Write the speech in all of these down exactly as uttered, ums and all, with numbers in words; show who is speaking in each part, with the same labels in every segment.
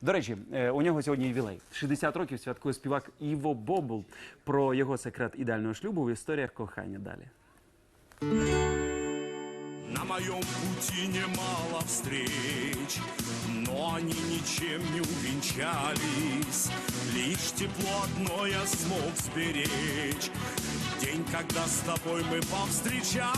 Speaker 1: До речі, е, у нього сьогодні ювілей. шістдесят років святкує співак Іво Бобул. Про його секрет ідеального шлюбу в історіях кохання далі.
Speaker 2: На моем пути немало встреч, но они ничем не увенчались. Лишь тепло одно я смог сберечь, день, когда с тобой мы повстречались.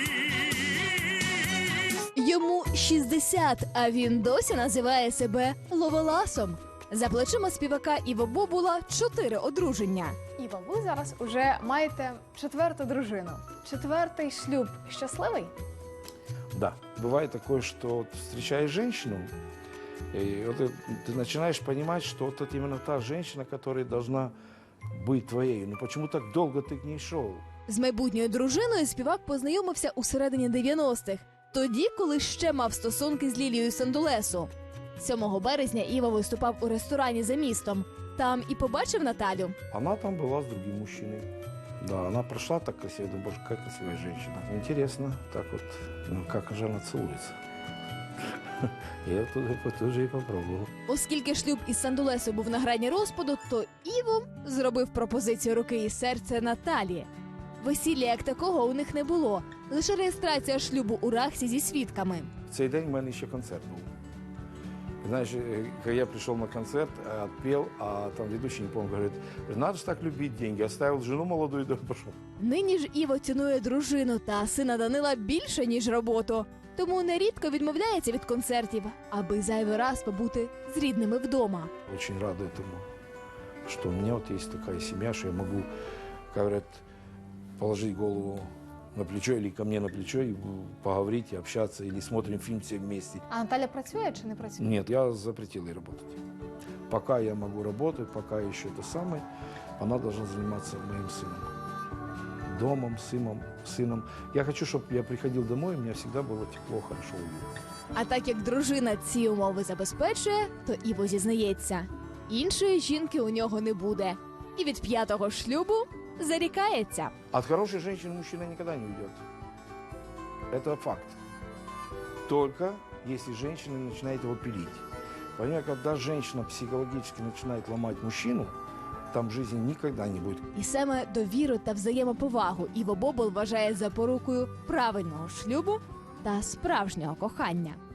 Speaker 3: Йому шістдесят, а він досі називає себе ловеласом. За плечима співака Іво Бобула чотири одруження.
Speaker 4: Іво, ви зараз уже маєте четверту дружину. Четвертий шлюб щасливий?
Speaker 5: Да, бывает такое, что вот встречаешь женщину, и вот ты, ты начинаешь понимать, что вот это именно та женщина, которая должна быть твоей. Ну почему так долго ты к ней шел?
Speaker 3: З майбутньою дружиною співак познайомився у середині дев'яностих, тоді, коли ще мав стосунки з Лілією Сандулесу. сьомого березня Іво виступав у ресторані за містом. Там і побачив Наталю.
Speaker 5: Она там была с другим мужчиной. Да, она прошла так красиво, думаю, боже, какая красивая женщина. Интересно, так вот, ну как же она целуется. Я тут тоже и попробовал.
Speaker 3: Оскільки шлюб із Сандулесу був на грані розпаду, то Іво зробив пропозицію руки і серця Наталі. Весілля як такого у них не було, лише реєстрація шлюбу у Рахсі зі свідками.
Speaker 5: В цей день у мене ще концерт був. Знаешь, когда я пришел на концерт, отпел, а там ведущий, не помню, говорит, надо же так любить деньги, оставил жену молодую и пошел.
Speaker 3: Нині ж Іво цінує дружину та сина Данила більше, ніж роботу. Тому нерідко відмовляється від концертів, аби зайвий раз побути з рідними вдома.
Speaker 5: Очень рад этому, что у меня вот есть такая семья, что я могу, как говорят, положить голову на плечо или ко мне на плечо и поговорить, и общаться, или смотрим фильм все вместе.
Speaker 4: А Наталя працює чи не працює?
Speaker 5: Нет, я запретил ей работать. Пока я могу работать, пока еще это самое, она должна заниматься моим сыном. Домом, сыном, сыном. Я хочу, чтобы я приходил домой, и мне всегда было тепло, хорошо, уютно.
Speaker 3: А так як дружина ці умови забезпечує, то Іво зізнається, іншої жінки у нього не буде. І від п'ятого шлюбу зарікається.
Speaker 5: От хорошей женщины мужчина никогда не уйдет. Это факт. Только если женщина начинает его пилить. Понимаете, когда женщина психологически начинает ломать мужчину, там жизни никогда не будет.
Speaker 3: І саме довіру та взаємоповагу Іво Бобул вважає запорукою правильного шлюбу та справжнього кохання.